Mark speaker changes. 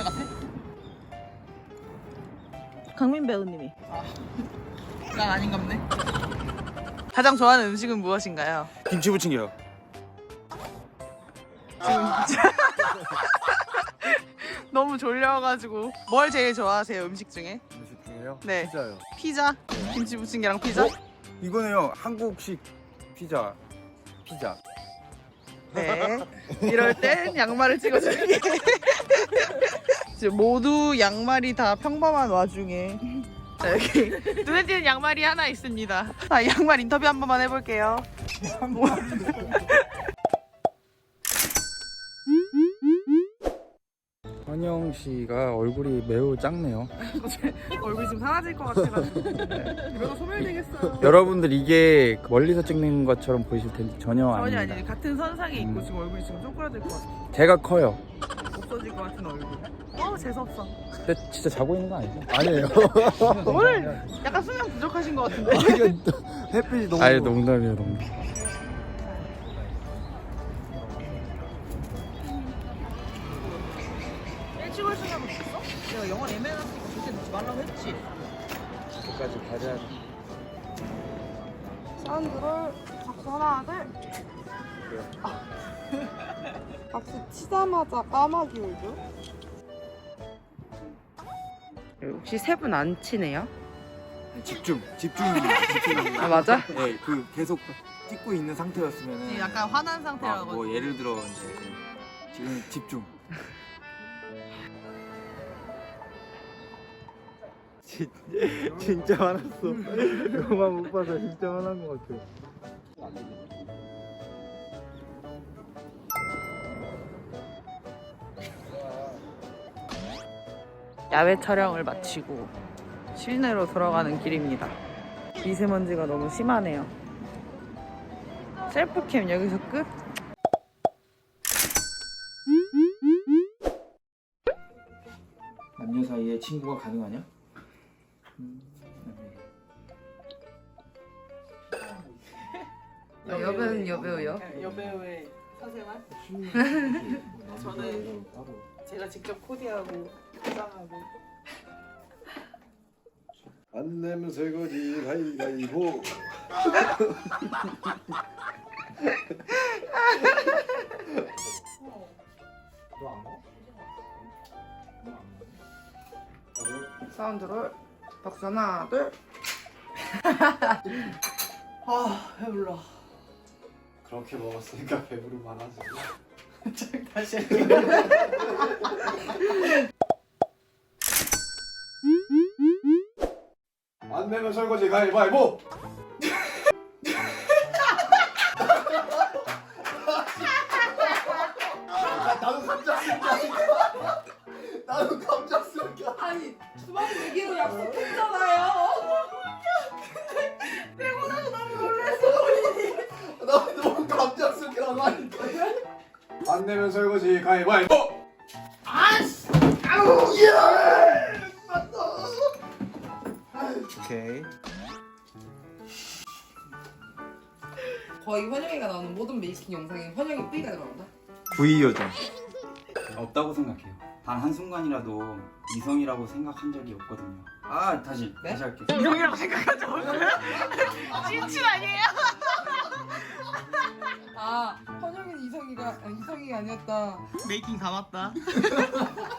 Speaker 1: 같아?
Speaker 2: 강민 배우님이.
Speaker 1: 난 아닌갑네.
Speaker 2: 가장 좋아하는 음식은 무엇인가요?
Speaker 3: 김치 부침개요.
Speaker 2: 너무 졸려가지고. 뭘 제일 좋아하세요, 음식 중에?
Speaker 3: 음식 중에요?
Speaker 2: 네.
Speaker 3: 피자요.
Speaker 2: 피자? 김치 부침개랑 피자?
Speaker 3: 이거네요. 한국식 피자.
Speaker 2: 네. 이럴 땐 양말을 찍어줄게. 지금 모두 양말이 다 평범한 와중에 자, 여기 눈에 띄는 양말이 하나 있습니다. 자, 양말 인터뷰 한 번만 해볼게요.
Speaker 3: 환영 씨가 얼굴이 매우 작네요.
Speaker 2: 얼굴이 지금 사라질 것 같아가지고 이러다 소멸되겠어요.
Speaker 3: 여러분들 이게 멀리서 찍는 것처럼 보이실 텐데 전혀
Speaker 2: 전혀
Speaker 3: 아닙니다.
Speaker 2: 아니에요. 같은 선상에 있고 지금 얼굴이 지금 쪼그라들 것 같아.
Speaker 3: 제가 커요.
Speaker 2: 없어질 것 같은 얼굴. 재수없어.
Speaker 3: 근데 진짜 자고 있는 거 아니죠? 아니에요.
Speaker 2: 오늘 약간 수면 부족하신 것 같은데.
Speaker 3: 햇빛이 너무. 아니 농담이에요, 농담.
Speaker 2: 일찍 올 생각 없었어? 내가 영어 애매해놨으니까 그때 넣지 말라고 했지.
Speaker 3: 끝까지 가져야 돼.
Speaker 4: 사운드를 박수 하나 둘. 박수 치자마자 까마귀 울죠? 혹시 세 분 안 치네요?
Speaker 3: 집중입니다.
Speaker 4: 아 맞아?
Speaker 3: 네, 그 계속 찍고 있는 상태였으면
Speaker 2: 약간 화난 상태라고.
Speaker 3: 뭐 예를 들어 이제 지금 집중. 진짜 화났어. 그만 못 봐서 진짜 화난 것 같아.
Speaker 2: 야외 촬영을 마치고 실내로 들어가는 길입니다. 미세먼지가 너무 심하네요. 셀프캠 여기서 끝?
Speaker 3: 남녀 사이에 친구가 가능하냐?
Speaker 4: 여배우는 여배우요?
Speaker 2: 여배우의 사생활? 저는 제가 직접 코디하고 포장하고.
Speaker 5: 안 내면 설거지 가위바위보.
Speaker 4: 사운드를 박수 하나 둘.
Speaker 2: 배불러.
Speaker 5: 그렇게 먹었으니까 배부르면 하지.
Speaker 2: 다시 할게요.
Speaker 5: 안 내면 설거지 가위바위보. 나도 갑작스럽게. 나도 갑작스럽게.
Speaker 4: 아니 주말 얘기로 약속했잖아요.
Speaker 5: 나 너무 갑작스럽게 나가니까. 안 내면 설거지 가위바위보. 아씨. 아우 예. 맞다.
Speaker 3: 오케이.
Speaker 4: 거의 환영이가 나오는 모든 메이킹 영상에 환영이 뿌리가 들어간다.
Speaker 3: V 요정.
Speaker 6: 없다고 생각해요. 단 한순간이라도 이성이라고 생각한 적이 없거든요. 아 다시 할게요.
Speaker 2: 이성이라고 생각하죠. 찐친 아니에요?
Speaker 4: 아 환영이는 이성이가 아니었다.
Speaker 2: 메이킹 다 맞다.